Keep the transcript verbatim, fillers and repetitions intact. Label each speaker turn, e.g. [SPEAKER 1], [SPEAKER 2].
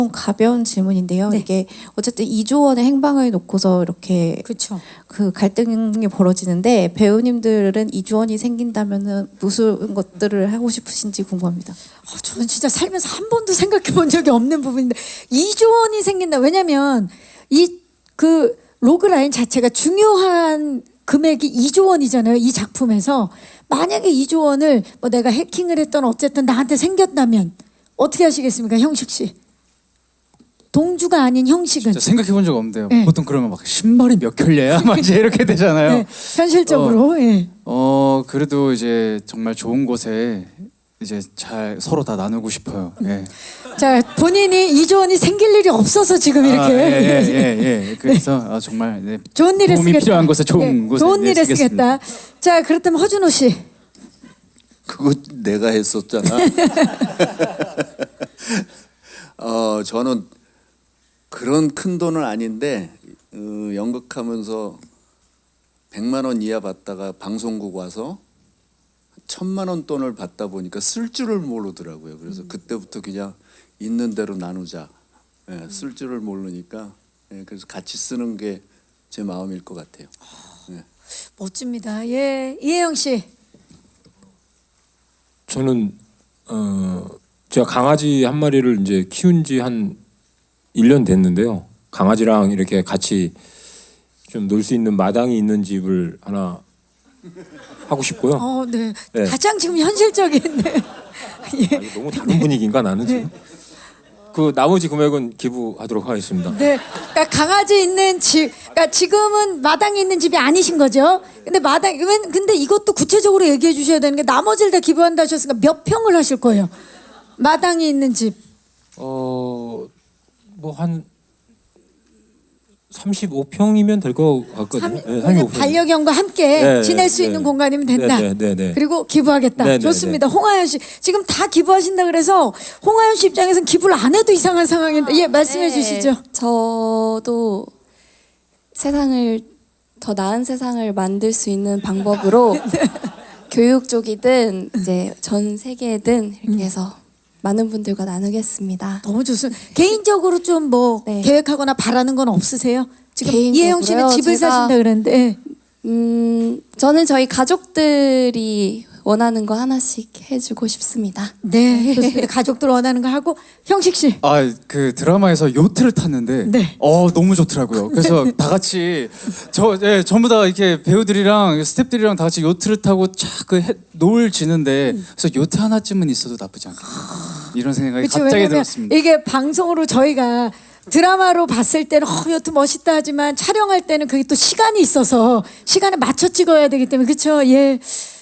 [SPEAKER 1] 가벼운 질문인데요.
[SPEAKER 2] 네.
[SPEAKER 1] 이게 어쨌든 이조 원의 행방을 놓고서 이렇게
[SPEAKER 2] 그렇죠.
[SPEAKER 1] 그 갈등이 벌어지는데 배우님들은 이조 원이 생긴다면은 무슨 것들을 하고 싶으신지 궁금합니다.
[SPEAKER 2] 어, 저는 진짜 살면서 한 번도 생각해 본 적이 없는 부분인데 이조 원이 생긴다. 왜냐면 이 그 로그라인 자체가 중요한 금액이 이조 원이잖아요. 이 작품에서 만약에 이조 원을 뭐 내가 해킹을 했던 어쨌든 나한테 생겼다면 어떻게 하시겠습니까, 형식 씨? 동주가 아닌 형식은
[SPEAKER 3] 진짜 생각해 본 적 없는데요.
[SPEAKER 2] 네.
[SPEAKER 3] 보통 그러면 막 신발이 몇 켤레야? 막 이제 이렇게 되잖아요.
[SPEAKER 2] 네, 현실적으로 예.
[SPEAKER 3] 어 그래도 이제 정말 좋은 곳에 이제 잘 서로 다 나누고 싶어요. 예.
[SPEAKER 2] 자, 본인이 이조 원이 생길 일이 없어서 지금 이렇게
[SPEAKER 3] 아, 예, 예, 예, 예. 그래서 아, 정말 네.
[SPEAKER 2] 좋은 일에
[SPEAKER 3] 도움이
[SPEAKER 2] 쓰겠다.
[SPEAKER 3] 필요한 곳에 좋은
[SPEAKER 2] 예,
[SPEAKER 3] 곳에
[SPEAKER 2] 좋은
[SPEAKER 3] 네,
[SPEAKER 2] 일에
[SPEAKER 3] 쓰겠습니다.
[SPEAKER 2] 쓰겠다. 자, 그렇다면 허준호 씨.
[SPEAKER 4] 그거 내가 했었잖아. 어, 저는 그런 큰 돈은 아닌데 어, 연극하면서 백만 원 이하 받다가 방송국 와서 천만 원 돈을 받다 보니까 쓸 줄을 모르더라고요. 그래서 그때부터 그냥 있는 대로 나누자. 예, 쓸 줄을 모르니까 예, 그래서 같이 쓰는 게 제 마음일 것 같아요. 예.
[SPEAKER 2] 멋집니다. 예, 이혜영 씨.
[SPEAKER 5] 저는 어 제가 강아지 한 마리를 이제 키운 지 한 일 년 됐는데요. 강아지랑 이렇게 같이 좀 놀 수 있는 마당이 있는 집을 하나 하고 싶고요.
[SPEAKER 2] 어, 네.
[SPEAKER 5] 네.
[SPEAKER 2] 가장 지금 현실적인데. 예.
[SPEAKER 5] 아, 이거 너무 다른 분위기인가 나는 지금. 그 나머지 금액은 기부하도록 하겠습니다.
[SPEAKER 2] 네. 그러니까 강아지 있는 집. 그러니까 지금은 마당에 있는 집이 아니신 거죠. 근데 마당 왜- 근데 이것도 구체적으로 얘기해 주셔야 되는 게 나머지를 다 기부한다 하셨으니까 몇 평을 하실 거예요? 마당이 있는 집.
[SPEAKER 5] 어 뭐 한 삼십오 평이면 될 것 같거든요.
[SPEAKER 2] 삼-
[SPEAKER 5] 네,
[SPEAKER 2] 왜냐면
[SPEAKER 5] 삼십오 평.
[SPEAKER 2] 반려견과 함께
[SPEAKER 5] 네,
[SPEAKER 2] 지낼 수
[SPEAKER 5] 네,
[SPEAKER 2] 있는
[SPEAKER 5] 네.
[SPEAKER 2] 공간이면 된다.
[SPEAKER 5] 네, 네, 네, 네.
[SPEAKER 2] 그리고 기부하겠다.
[SPEAKER 5] 네, 네,
[SPEAKER 2] 좋습니다. 홍하연 씨 지금 다 기부하신다 그래서 홍하연 씨 입장에서는 기부를 안 해도 이상한 상황인데 예 말씀해
[SPEAKER 6] 네,
[SPEAKER 2] 주시죠.
[SPEAKER 6] 저도 세상을 더 나은 세상을 만들 수 있는 방법으로 교육 쪽이든 이제 전 세계든 이렇게 해서 많은 분들과 나누겠습니다.
[SPEAKER 2] 너무 좋습니다. 개인적으로 좀 뭐
[SPEAKER 6] 네.
[SPEAKER 2] 계획하거나 바라는 건 없으세요? 지금
[SPEAKER 6] 개인적으로요?
[SPEAKER 2] 이혜영 씨는 집을
[SPEAKER 6] 제가-
[SPEAKER 2] 사신다 그랬는데 예.
[SPEAKER 6] 음, 저는 저희 가족들이 원하는 거 하나씩 해주고 싶습니다.
[SPEAKER 2] 네 좋습니다. 가족들 원하는 거 하고 형식 씨.
[SPEAKER 3] 아 그 드라마에서 요트를 탔는데
[SPEAKER 2] 네.
[SPEAKER 3] 어 너무 좋더라고요. 그래서 다 같이 저 예, 전부 다 이렇게 배우들이랑 스태프들이랑 다 같이 요트를 타고 쫙그 노을 지는데 그래서 요트 하나쯤은 있어도 나쁘지 않겠다. 이런 생각이
[SPEAKER 2] 그렇죠.
[SPEAKER 3] 갑자기
[SPEAKER 2] 왜냐면
[SPEAKER 3] 들었습니다.
[SPEAKER 2] 이게 방송으로 저희가 드라마로 봤을 때는 어, 여튼 멋있다 하지만 촬영할 때는 그게 또 시간이 있어서 시간에 맞춰 찍어야 되기 때문에 그렇죠. 예.